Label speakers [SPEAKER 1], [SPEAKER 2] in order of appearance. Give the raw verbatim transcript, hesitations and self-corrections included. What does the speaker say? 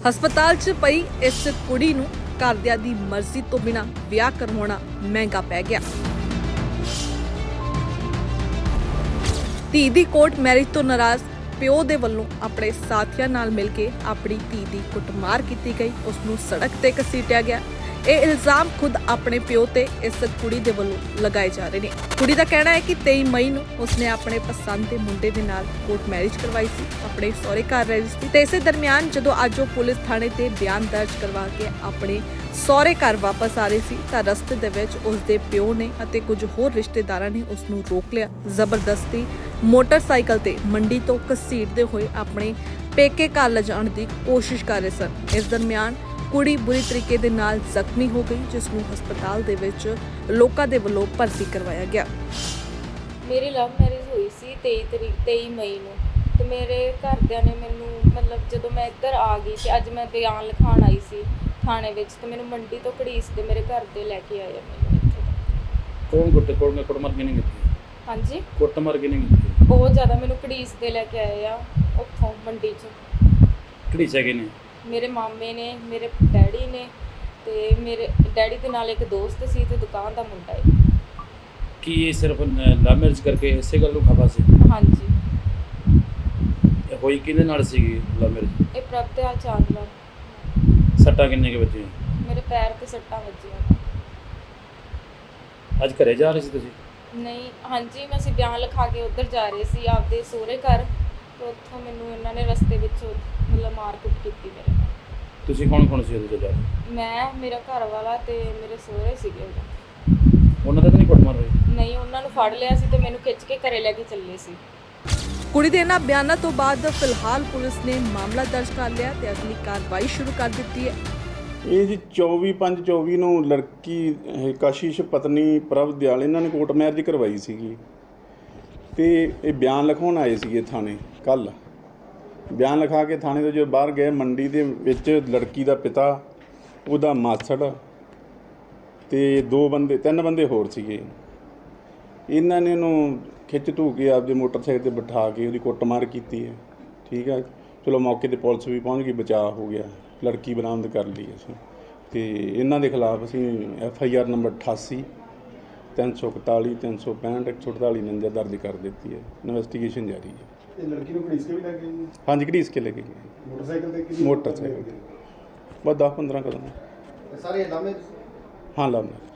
[SPEAKER 1] ਹਸਪਤਾਲ 'ਚ ਪਈ ਇਸ ਕੁੜੀ ਨੂੰ ਘਰਦਿਆਂ ਦੀ ਮਰਜ਼ੀ ਤੋਂ ਬਿਨਾਂ ਵਿਆਹ ਕਰਵਾਉਣਾ ਮਹਿੰਗਾ ਪੈ ਗਿਆ। ਧੀ ਦੀ ਕੋਰਟ ਮੈਰਿਜ ਤੋਂ ਨਾਰਾਜ਼ ਪਿਓ ਦੇ ਵੱਲੋਂ ਆਪਣੇ ਸਾਥੀਆਂ ਨਾਲ ਮਿਲ ਕੇ ਆਪਣੀ ਧੀ ਦੀ ਕੁੱਟਮਾਰ ਕੀਤੀ ਗਈ, ਉਸ ਨੂੰ ਸੜਕ ਤੇ ਘਸੀਟਿਆ ਗਿਆ। ਇਹ ਇਲਜ਼ਾਮ ਖੁਦ ਆਪਣੇ ਪਿਓ ਤੇ ਇਸ ਕੁੜੀ ਦੇ ਵੱਲੋਂ ਲਗਾਏ ਜਾ ਰਹੇ ਨੇ। ਕੁੜੀ ਦਾ ਕਹਿਣਾ ਹੈ ਕਿ ਤੇਈ ਮਈ ਨੂੰ ਉਸਨੇ ਆਪਣੇ ਪਸੰਦ ਦੇ ਮੁੰਡੇ ਦੇ ਨਾਲ ਕੋਰਟ ਮੈਰਿਜ ਕਰਵਾਈ ਸੀ, ਆਪਣੇ ਸਹੁਰੇ ਘਰ ਰਹੀ ਸੀ ਤੇ ਇਸੇ ਦਰਮਿਆਨ ਜਦੋਂ ਅੱਜ ਉਹ ਪੁਲਿਸ ਥਾਣੇ ਤੇ ਬਿਆਨ ਦਰਜ ਕਰਵਾ ਕੇ ਆਪਣੇ ਸਹੁਰੇ ਘਰ ਵਾਪਸ ਆ ਰਹੀ ਸੀ ਤਾਂ ਰਸਤੇ ਦੇ ਵਿੱਚ ਉਸਦੇ ਪਿਓ ਨੇ ਅਤੇ ਕੁਝ ਹੋਰ ਰਿਸ਼ਤੇਦਾਰਾਂ ਨੇ ਉਸ ਨੂੰ ਰੋਕ ਲਿਆ। ਜ਼ਬਰਦਸਤੀ ਮੋਟਰਸਾਈਕਲ ਤੇ ਮੰਡੀ ਤੋਂ ਘਸੀਟਦੇ ਹੋਏ ਆਪਣੇ ਪੇਕੇ ਘਰ ਲਿਜਾਣ ਦੀ ਕੋਸ਼ਿਸ਼ ਕਰ ਰਹੇ ਸਨ। ਇਸ ਦਰਮਿਆਨ ਕੁੜੀ ਬੁਰੀ ਤਰੀਕੇ ਦੇ ਨਾਲ ਜ਼ਖਮੀ ਹੋ ਗਈ, ਜਿਸ ਨੂੰ ਹਸਪਤਾਲ ਦੇ ਵਿੱਚ ਲੋਕਾਂ ਦੇ ਵੱਲੋਂ ਭਰਤੀ ਕਰਵਾਇਆ ਗਿਆ।
[SPEAKER 2] ਮੇਰੀ ਲਵ ਮੈਰਿਜ ਹੋਈ ਸੀ ਤੇਈ ਤਰੀਕ ਤੇਈ ਮਈ ਨੂੰ ਤੇ ਮੇਰੇ ਘਰਦਿਆਂ ਨੇ ਮੈਨੂੰ ਮਤਲਬ ਜਦੋਂ ਮੈਂ ਇੱਧਰ ਆ ਗਈ ਤੇ ਅੱਜ ਮੈਂ ਬਿਆਨ ਲਿਖਾਉਣ ਆਈ ਸੀ ਥਾਣੇ ਵਿੱਚ ਤੇ ਮੈਨੂੰ ਮੰਡੀ ਤੋਂ ਘੜੀਸ ਦੇ ਮੇਰੇ ਘਰ ਦੇ ਲੈ ਕੇ ਆਏ ਮੈਨੂੰ ਇੱਥੇ।
[SPEAKER 3] ਕੌਣ ਗੁੱਟ ਕੋਲ ਕੁੱਟ ਮਾਰ ਕੇ ਨਹੀਂ ਕੀਤੀ?
[SPEAKER 2] ਹਾਂਜੀ,
[SPEAKER 3] ਕੁੱਟ ਮਾਰ ਕੇ ਨਹੀਂ ਕੀਤੀ?
[SPEAKER 2] ਬਹੁਤ ਜ਼ਿਆਦਾ ਮੈਨੂੰ ਘੜੀਸ ਦੇ ਲੈ ਕੇ ਆਏ ਆ ਉੱਥੋਂ ਮੰਡੀ 'ਚ।
[SPEAKER 3] ਘੜੀਸ ਹੈਗੇ ਨੇ?
[SPEAKER 2] ਮੇਰੇ ਮਾਮੇ ਨੇ, ਮੇਰੇ ਡੈਡੀ ਨੇ ਤੇ ਮੇਰੇ ਡੈਡੀ ਦੇ ਨਾਲ ਇੱਕ ਦੋਸਤ ਸੀ ਤੇ ਦੁਕਾਨ ਦਾ ਮੁੰਡਾ ਹੈ।
[SPEAKER 3] ਕੀ ਇਹ ਸਿਰਫ ਲਵ ਮੈਰਿਜ ਕਰਕੇ ਇਸੇ ਗੱਲ ਨੂੰ ਖਪਾ ਸੀ?
[SPEAKER 2] ਹਾਂਜੀ।
[SPEAKER 3] ਇਹ ਹੋਈ ਕਿਹਦੇ ਨਾਲ ਸੀਗੀ ਲਵ ਮੈਰਿਜ?
[SPEAKER 2] ਇਹ ਪ੍ਰਭਤਿਆਲ ਚਾਂਦਲਾ।
[SPEAKER 3] ਸੱਟਾਂ ਕਿੰਨੇ ਕੇ ਵੱਜੀਆਂ?
[SPEAKER 2] ਮੇਰੇ ਪੈਰ ਤੇ ਸੱਟਾਂ ਵੱਜੀਆਂ।
[SPEAKER 3] ਅੱਜ ਘਰੇ ਜਾ ਰਹੇ ਸੀ ਤੁਸੀਂ?
[SPEAKER 2] ਨਹੀਂ, ਹਾਂਜੀ, ਮੈਂ ਅਸੀਂ ਬਿਆਨ ਲਿਖਾ ਕੇ ਉੱਧਰ ਜਾ ਰਹੇ ਸੀ ਆਪਦੇ ਸਹੁਰੇ ਘਰ ਤੇ ਉੱਥੋਂ ਮੈਨੂੰ ਇਹਨਾਂ ਨੇ ਰਸਤੇ ਵਿੱਚ ਮਤਲਬ ਮਾਰ ਕੁੱਟ ਕੀਤੀ ਮੇਰੇ ਨਾਲ।
[SPEAKER 3] ਤੁਸੀਂ ਕੌਣ ਕੌਣ ਸੀ ਉਹਦੇ ਜਾ?
[SPEAKER 2] ਮੈਂ, ਮੇਰਾ ਘਰ ਵਾਲਾ ਤੇ ਮੇਰੇ ਸਹੁਰੇ ਸੀਗੇ ਉਦੋਂ।
[SPEAKER 3] ਉਹਨਾਂ ਦਾ ਤਾਂ ਨਹੀਂ ਕੁੱਟ ਮਾਰ ਹੋਈ?
[SPEAKER 2] ਨਹੀਂ, ਉਹਨਾਂ ਨੂੰ ਫੜ ਲਿਆ ਸੀ ਤੇ ਮੈਨੂੰ ਖਿੱਚ ਕੇ ਘਰੇ ਲੈ ਕੇ ਚੱਲੇ ਸੀ।
[SPEAKER 1] ਕੁੜੀ ਦੇ ਇਹਨਾਂ ਬਿਆਨਾਂ ਤੋਂ ਬਾਅਦ ਫਿਲਹਾਲ ਪੁਲਿਸ ਨੇ ਮਾਮਲਾ ਦਰਜ ਕਰ ਲਿਆ ਤੇ ਅਗਲੀ ਕਾਰਵਾਈ ਸ਼ੁਰੂ ਕਰ ਦਿੱਤੀ ਹੈ।
[SPEAKER 4] ਇਹ ਜੀ ਚੌਵੀ ਪੰਜ ਚੌਵੀ ਨੂੰ ਲੜਕੀ ਇਹ ਕਸ਼ਿਸ਼ ਪਤਨੀ ਪ੍ਰਭ ਦਿਆਲ ਇਹਨਾਂ ਨੇ ਕੋਰਟ ਮੈਰਿਜ ਕਰਵਾਈ ਸੀਗੀ ਤੇ ਇਹ ਬਿਆਨ ਲਿਖਾਉਣ ਆਏ ਸੀਗੇ ਥਾਣੇ। ਕੱਲ੍ਹ ਬਿਆਨ ਲਿਖਾ ਕੇ ਥਾਣੇ ਤੋਂ ਜਦੋਂ ਬਾਹਰ ਗਏ, ਮੰਡੀ ਦੇ ਵਿੱਚ ਲੜਕੀ ਦਾ ਪਿਤਾ, ਉਹਦਾ ਮਾਸੜ ਤੇ ਦੋ ਬੰਦੇ ਤਿੰਨ ਬੰਦੇ ਹੋਰ ਸੀਗੇ। ਇਹਨਾਂ ਨੇ ਉਹਨੂੰ ਖਿੱਚ ਧੂ ਕੇ ਆਪਦੇ ਮੋਟਰਸਾਈਕਲ 'ਤੇ ਬਿਠਾ ਕੇ ਉਹਦੀ ਕੁੱਟਮਾਰ ਕੀਤੀ ਹੈ। ਠੀਕ ਹੈ, ਚਲੋ ਮੌਕੇ 'ਤੇ ਪੁਲਿਸ ਵੀ ਪਹੁੰਚ ਗਈ, ਬਚਾਅ ਹੋ ਗਿਆ, ਲੜਕੀ ਬਰਾਮਦ ਕਰ ਲਈ ਅਸੀਂ। ਅਤੇ ਇਹਨਾਂ ਦੇ ਖਿਲਾਫ ਅਸੀਂ ਐਫ ਆਈ ਆਰ ਨੰਬਰ ਅਠਾਸੀ ਤਿੰਨ ਸੌ ਇਕਤਾਲੀ ਤਿੰਨ ਸੌ ਪੈਂਹਠ ਇੱਕ ਸੌ ਅਠਤਾਲੀ ਉਣੰਜਾ ਦਰਜ ਕਰ ਦਿੱਤੀ ਹੈ। ਇਨਵੈਸਟੀਗੇਸ਼ਨ ਜਾਰੀ ਹੈ।
[SPEAKER 5] ਇਹ ਲੜਕੀ ਨੂੰ ਘੜੀਸ ਕੇ ਵੀ ਲੈ ਕੇ ਗਏ?
[SPEAKER 4] ਹਾਂਜੀ, ਘੜੀਸ ਕੇ ਲੈ ਕੇ ਗਏ
[SPEAKER 5] ਮੋਟਰਸਾਈਕਲ ਤੇ? ਕਿਹਦੀ
[SPEAKER 4] ਮੋਟਰਸਾਈਕਲ ਤੇ ਬਸ ਦਸ ਪੰਦਰਾਂ ਕਦਮ।
[SPEAKER 5] ਸਾਰੇ ਲਾਮੇ?
[SPEAKER 4] ਹਾਂ, ਲਾਮੇ।